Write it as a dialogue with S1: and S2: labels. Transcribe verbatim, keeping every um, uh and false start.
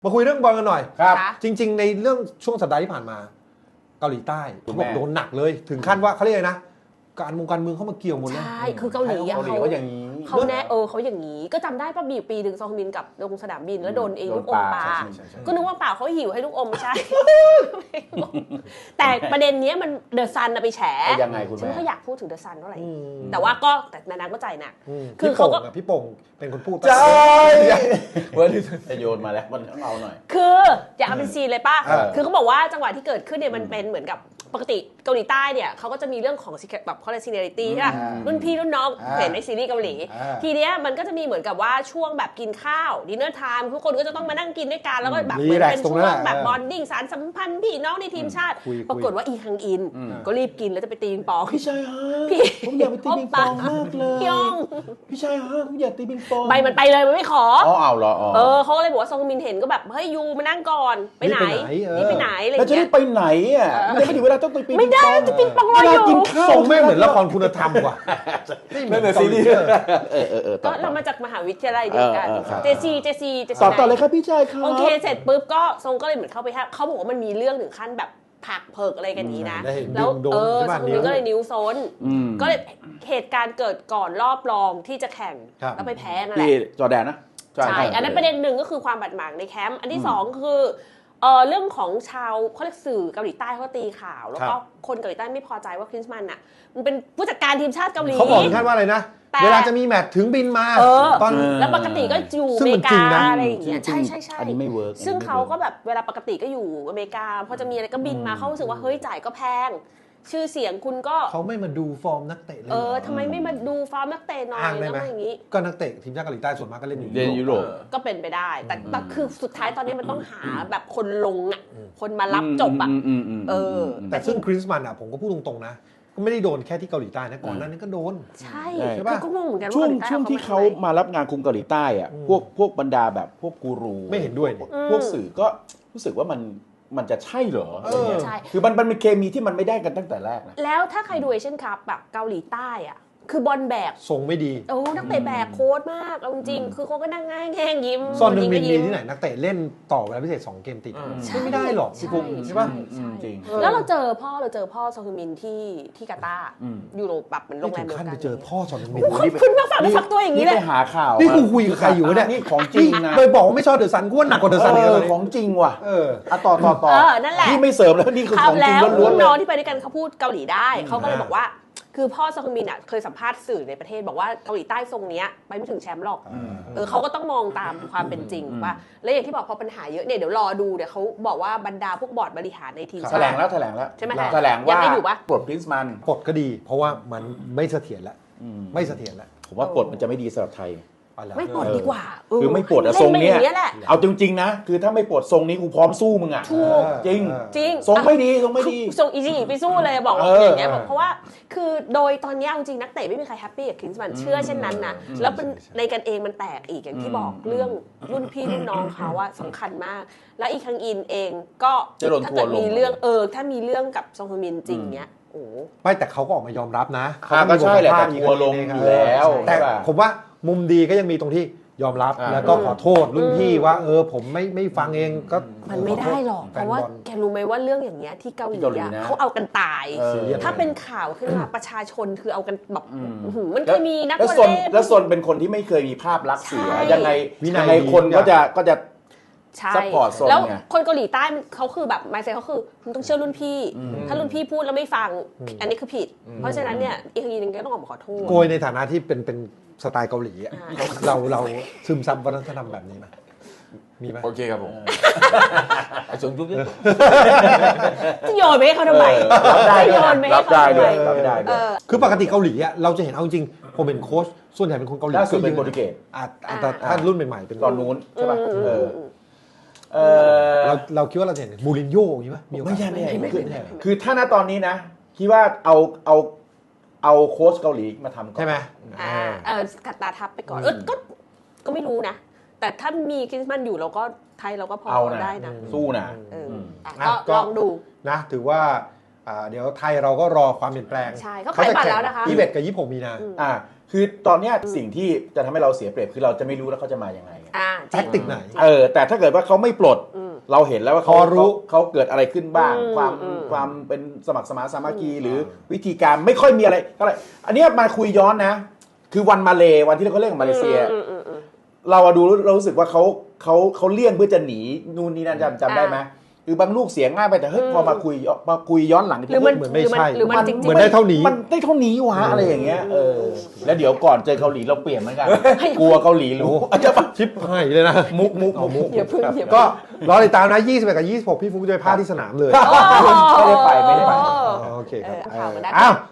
S1: มาคุยเรื่องบอลกันหน่อย
S2: ครับ
S1: จริงๆในเรื่องช่วงสัปดาห์ที่ผ่านมาเกาหลีใต้เขาบอกโดนหนักเลยถึงขั้นว่าเขาเรียกนะการมงการเมืองเข้ามาเกี่ยวหมดเลย
S3: ใช่คือเกาหลีอะ
S2: เกาหลี
S3: เขา
S2: เขาอย่างนี้
S3: เขาแน่เออเขาอย่างนี้ก็จำได้ป่ะมีปีหนึ่งซองมินกับลงสนามบินแล้วโดนเอง
S2: โดน
S3: ลูกอมปลา
S2: ปลาใช่ใช่ใช่
S3: ก็นึกว่าเปล่าเขาหิวให้ลูกอมไม่ใช่ แต่ประเด็นนี้มันเดอะซันไปแฉ
S2: ยังไงคุณ
S3: ฉัน
S2: แม่
S3: ไม่ค่อยอยากพูดถึงเดอะซันเท่าไหร่
S1: อืม
S3: แต่ว่าก็แต่นานๆก็ใจหนัก
S1: ม
S3: คือ
S1: พี่
S3: เขา
S1: โป่ง
S3: ก็
S1: อะพี่โป่งเป็นคนพูด
S2: ใช่เว้ยจะโยนมาแล้วมันต้องเอาหน่อย
S3: คืออยากเอาเป็นซีนเลยป่ะ
S2: เออ
S3: คือเขาบอกว่าจังหวะที่เกิดขึ้นเนี่ยมันเป็นเหมือนกับปกติเกาหลีใต้เนี่ยเขาก็จะมีเรื่องของแบบเขาเรียกซีเนียริตี้ใช่ป่ะรุ่นพี่รุ่นน้องเห็นในซีรีส์เกาหลี ทีเนี้ยมันก็จะมีเหมือนกับว่าช่วงแบบกินข้าวดินเนอร์ไทม์ทุกคนก็จะต้องมานั่งกินด้วยกันแล้วก็แบบเหมือนเป็นช่วงแบบบอนดิ้งสารสัมพันธ์พี่น้องในทีมชาติ ปรากฏว่าอีฮังอินก็รีบกินแล้วจะไปตีปิงปอง
S2: พี่ชายฮะ
S3: พี่
S2: ผมอยากไปตีปิงปองมากเลย
S3: พี่ยอง
S2: พี่ชายฮะผมอยากตีปิงปอง
S3: ใบมันไปเลยมันไม่ขอ
S2: อ๋อเอาเหรออ๋อ
S3: เออเขาก็เลยบอกว่าซองมินเห็นก็แบบเฮ้ยยูมานั่งก่อนไปไหนนี่ไปไหนอะไรอ
S2: แล้ว
S3: ย่าง
S2: จะ
S3: เงี้
S2: ได้
S3: ย
S2: ไปไหนอ่ะไม่ถึงเวลาต้องไปปิงปอง
S3: ไม่ได้จะปิงปองรอ
S2: เว
S3: อ
S2: ลา
S3: ยู่
S2: กินข้าว
S1: ส่งไม่เหมือนละครคุณธรรมว่ะไม่เหมือนซีรีส์
S2: เออเออเออต่
S3: ก็
S2: อ
S3: เรามาจากมหาวิทยาลัยเดียวกัน
S2: เออเออครับ
S3: เจซีเจซีเจซี
S2: ต่อต่อเลยครับพี่ชายครับ
S3: โอเคเสร็จปุ๊บก็ทรงก็เลยเหมือนเข้าไปห้ามเขาบอกว่ามันมีเรื่องถึงขั้นแบบผักเพิกอะไรกันนี้นะ
S1: ได้เห็น
S3: แล้ว
S1: โดน
S3: เออ
S1: ใช่
S3: ท
S1: ปะ
S3: รงนี้ก็เลยนิ้วซน
S2: อืม
S3: ก็เลยเหตุการณ์เกิดก่อนรอบรองที่จะแข่ง
S1: ครับ
S3: แล้วไปแพ้นั่นแห
S2: ที่
S3: ละ
S2: จอร์แดนนะ
S3: ใช่ อันนั้นประเด็นหนึ่งก็คือความบาดหมางในแคมป์ อันที่สองคือเออเรื่องของชาวเขาเรียกสื่อเกาหลีใต้เขาตีข่าว แล้วก็คนเกาหลีใต้ไม่พอใจว่าคริสมันอ่ะมันเป็นผู้จัดการทีมชาติเกาหลี
S1: เขาบอกถึงขั้นว่าอะไรนะ
S3: แต่
S1: เวลาจะมีแมตช์ถึงบินมา
S3: เออ
S1: ตอน
S3: แล้วปกติก็อยู่
S1: ซึ่
S3: อง เม
S1: มัน
S3: ริ
S1: จริ
S3: กาง
S1: นะ
S3: อะไรอย่างเงี้ย
S2: จริ
S3: ใช่
S2: งๆ
S3: ใช่ใช่
S2: อันนี้ไม่เวิร์ก
S3: ซึ่ง
S2: อันนี้ไม่
S3: เขา
S2: วิร์
S3: ก็แบบเวลาปกติก็อยู่อเมริกาพอจะมีอะไรก็บินมาเขารู้สึกว่าเฮ้ยจ่ายก็แพง ชื่อเสียงคุณก็
S1: เขาไม่มาดูฟอร์มนักเตะเลย
S3: เออทำไมไม่มาดูฟอร์มนักเตะหน่อย
S1: อ้างได้
S3: แล้ว
S1: ไหม
S3: มาอย่างนี้
S1: ก็นักเตะทีมชาติเกาหลีใต้ส่วนมากก็เล่นอยู่
S2: เรียนยุโรป
S3: ก็เป็นไปได้ แต่แต่คือสุดท้ายตอนนี้มันต้องหาแบบคนลงอ่ะคนมารับจบอ่ะ
S2: มอืมอืม
S3: เออ
S1: แต่ซึ่งคริสมันอ่ะผมก็พูดตรงๆนะก็ไม่ได้โดนแค่ที่เกาหลีใต้นะก่อนหน้านี้ก็โดน
S3: ใช่
S1: ใช่ปะ
S3: คือก็งงเหมือนกัน
S2: ช่วง
S3: เกาหลีใต้
S2: ช่วงที่เขา
S3: อม
S2: มารับงานคุมเกาหลีใต้อะ
S1: อืม
S2: พวกพวกบรรดาแบบพวกกูรู
S1: ไม่เห็นด้วยนี่
S2: พวกสื่อก็รู้สึกว่ามันมันจะใช่เหรออะไรเงี้ย
S3: ใช่
S2: คือมันมันเป็นเคมีที่มันไม่ได้กันตั้งแต่แรกนะ
S3: แล้วถ้าใครดูเอเชียนคัพแบบเกาหลีใต้อ่ะคือบอลแบก
S1: ทรงไม่ดี
S3: โอ้นักเตะแบกโค้ดมากเอาจริงๆคือเขาก็นั่งง่ายแง่งยิ้ม
S1: ซอนนึงมิน
S3: ยิ
S1: มี
S3: ก็ยิ้
S1: ที่ไหนนักเตะเล่นต่อเวลาพิเศษสองเกมติด
S3: ใช่
S1: ไม่ได้หรอกพี่ปุ๊กใช่ปะ
S3: ใช่
S2: จริง
S3: แล้วเราเจอพ่อเราเจอพ่อซองฮึมินที่ที่กาตาร์
S2: อืม
S3: อยู่โรแบบเหมือนโร
S1: ไม่
S3: งแร
S1: ถึ
S3: ม
S1: ง
S3: เดียว
S1: ขั้น
S3: กั
S1: ไป
S3: น
S1: เจอพ่อซอนนึงมิน
S3: คุณคุณมาฝากเนื้อฝากตัวอย่างนี้
S2: นี่
S3: เลย
S2: ไปหาข่าว
S1: นี่
S2: มา
S1: กูคุยกับใครอยู่วะเนี่ย
S2: นี่ของจริงนะ
S1: ไปบอกว่าไม่ชอบเดอะซันกูว่าหนักกว่าเดอะซันอีก
S2: เอ
S1: เล
S2: อย ของจริงว่ะ
S1: เออ
S2: อ่ะต่อต่อต่อ
S3: เออนั่นแหละ
S2: นี่ไม่เสริมแล้วนี่คือ
S3: ครั
S2: ข
S3: บ
S2: องจริง
S3: แล้ว
S2: ล้วนๆเล
S3: น้อย งที่ไปด้วยกันเขาพูดเกาหลีได้เขาก็เลย
S1: อ่า
S3: บอกว่า คือพ่อซองฮึมินอ่ะเคยสัมภาษณ์สื่อในประเทศบอกว่าเกาหลีใต้ทรงเนี้ยไปไม่ถึงแชมป์หรอกเออเขาก็ต้องมองตามความเป็นจริงว่าแล้วอย่างที่บอกพอปัญหาเยอะเนี่ยเดี๋ยวรอดูเดี๋ยวเขาบอกว่าบรรดาพวกบอร์ดบริหารในทีม
S2: แถ
S3: ชา
S2: ล
S3: ติ
S2: งแล้วแถลงแล้ว
S3: ใช่ไหม
S2: แถลง
S3: ยัง
S2: ว่า
S3: ไม่อยู่ปะ
S2: ปลดพรินซ์มัน
S1: ปลดก็ดี เพราะว่ามันไม่เสถียรแล้วไม่เสถียรแล้ว
S2: ผมว่าปลดมันจะไม่ดีสำหรับไทย
S1: เอาละ
S3: ไม่ปลดดีกว่าเ
S2: คือไม่ปลดอะทรงเนี้ย
S3: ล่ไปอาแหละ
S2: เอาจริงๆนะ คือถ้าไม่ปลดทรงนี้กูพร้อมสู้มึงอะ
S3: ถูก
S2: จริง
S1: เออ
S3: จริง
S2: ทรงไม่ดีทรงไม่ดี
S3: ส่งอีจีไปสู้เลยบอกว่า
S2: เออ
S3: อย่างเงี้ย
S2: เออ
S3: บอกเพราะว่าคือโดยตอนเนี้ยเอาจริงนักเตะไม่มีใครแฮปปี้กับคลินส์มันเชื่อเช่นนั้นนะแล้วเป็นในกันเองมันแตกอีกอย่างที่บอกเรื่องรุ่นพี่รุ่นน้องเขาว่าสำคัญมาก แล้วอีคังอินเองก็
S2: จะโดน
S3: ถ้า
S2: ทัว
S3: เกิ
S2: ร์
S3: ด
S2: ลง
S3: มีเรื่องเออถ้ามีเรื่องกับซองฮมินจริงเนี้ยโอ้
S1: ไม่แต่เขาก็ออกมายอมรับนะ
S2: ครับก็ใช่แหละแต่ทัวร์ลงอยู่แล้ว
S1: แต่
S2: ใช่ป่ะ
S1: ผมว่ามุมดีก็ยังมีตรงที่ยอมรับ
S2: อ่า
S1: แล้วก็ขอโทษรุ่นพี่ว่าเออผมไม่ไม่ฟังเองก็
S3: มันไม่ได้หรอกเพราะว่าแกรู้ไหมว่าเรื่องอย่างเงี้ยที่เกาหลี
S2: ที่เกาหลี
S3: อะ
S2: นะ
S3: เขาเอากันตาย
S2: เออ
S3: ถ้าเป็นข่าวขึ้นมาประชาชนคือเอากันแบบอื้อหือมันเคยมีนัก
S2: แล้ว
S3: วอล
S2: ซน
S3: เลย์
S2: แล้วซนเป็นคนที่ไม่เคยมีภาพลักษณ์เสีย
S3: ใช่
S2: ยังไง
S1: วินัย
S2: ยังไงคน
S1: ดี
S2: ก็จะก็จะ
S3: ใช่
S2: support โซน
S3: แล้ว
S2: ไง
S3: คนเกาหลีใต้เขาคือแบบไมเซ็ตเขาคือคุณต้องเชื่อรุ่นพี่ ถ้ารุ่นพี่พูดแล้วไม่ฟัง อันนี้คือผิด เพราะฉะนั้นเนี่ยอีกทีนึงก็ต้องออกมาขอโทษ
S1: โกยในฐานะที่เป็นเป็นสไตล์เกาหลีอะ
S3: อ่า
S1: เราเราซึมซับวัฒนธรรมแบบนี้ไหมมีไหม
S2: โอเคครับผมไอ้ส่วนทุกเรื่อง
S3: จะโยนไปให้เขาทำไม
S2: รับได้
S3: จะโยนไปให้
S2: รับ
S3: เขา
S2: ได้
S3: ทำ
S2: ด้
S3: ไม
S2: วยรับได้
S3: เอ
S2: ด้วย
S3: อ
S1: คือปกติเกาหลีอะเราจะเห็นเอาจริงผมเป็นโค้ชส่วนใหญ่เป็นคนเกาหลี
S2: ล่าสุดเป็นโปรตุเกส
S1: อ่ะอ่ะแต่ถ้ารุ่นใหม่ๆเป็น
S2: ตอนนู้นใช่ป่ะเออเออ
S1: เราเราคิดว่าเราจะเห็นมูรินโญ่อย่างนี้ป่ะมีโอกา
S2: ไม่
S1: ส
S2: ใช่ไม่ใช่
S3: ไม่
S2: คือ
S3: ไม่ไม่
S2: คือถ้าณตอนนี้นะคิดว่าเอาเอาเอาโค้ชเกาหลีมาทำก่อน
S1: ใช่ไหม
S3: อ่าเออกัดตาทับไปก่อนเออก็ก็ไม่รู้นะ แต่ถ้ามีคริสต์มาสอยู่เราก็ไทยเราก็พอ
S2: เอานะ
S3: ได้นะ
S2: สู้นะ
S3: เอออ่ะ
S1: อ่ะ
S3: ก็
S1: ก็
S3: ลองดู
S1: นะถือว่าอ่าเดี๋ยวไทยเราก็รอความเปลี่ยนแปลง
S3: ใช่เขาขายบัตรแล้วนะคะ
S1: ยี่สิบเอ็ดกับยี่สิบหกมีนา
S2: อ่าคือตอนเนี้ยสิ่งที่จะทำให้เราเสียเปรียบคือเราจะไม่รู้แล้วเขาจะมายังไงไง
S3: อ่า
S1: แท็กติกไหน
S2: เออแต่ถ้าเกิดว่าเขาไม่ปลด
S3: อืม
S2: เราเห็นแล้วว่าเขา
S1: พอรู้
S2: เขาเขาเกิดอะไรขึ้นบ้าง
S3: อืม
S2: ความ
S3: อืม
S2: ความเป็นสมัครสมานสามัคคีหรือวิธีการไม่ค่อยมีอะไรก็เลยอันเนี้ยมาคุยย้อนนะ คือวันมาเลวันที่เขาเล่นกับมาเลเซีย
S3: อืมอืมอืม
S2: เราอะดูเรารู้สึกว่าเขาเขาเขาเลี่ยงเพื่อจะหนีนู่นนี่นั่นจำจำได้ไหมคือบางลูกเสียง่ายไปแต่เฮ้ย
S3: อืม
S2: พอมาคุยมาคุยย้อนหลัง
S3: หรือมัน
S1: เหมือนไม่
S3: หรือมัน
S1: ใช่
S3: หรือมันจริง
S1: เหมือนได้เท่านี้
S2: มันได้เท่านี้วะอะไรอย่างเงี้ยเออแล้วเดี๋ยวก่อนเจอเกาหลีเราเปลี่ยนเหมือนกันกลัวเกาหลีรู้จะปะ
S1: ชิปให้เลยนะ
S2: มุกมุก
S1: เอามุก
S3: อย่าเพิ่งอย่าเพิ่ง
S1: ก็รอติดตามนะยี่สิบเอ็ดกับยี่สิบหกพี่ฟุ๊กจะไปพากย์ที่สนามเลย
S2: ไม่ได้ไปไม่ได้ไป
S3: โอ้
S1: อ๋อโอเค
S3: เอ
S1: ครับ
S3: อเอาข่าวมาได้
S2: อ้าว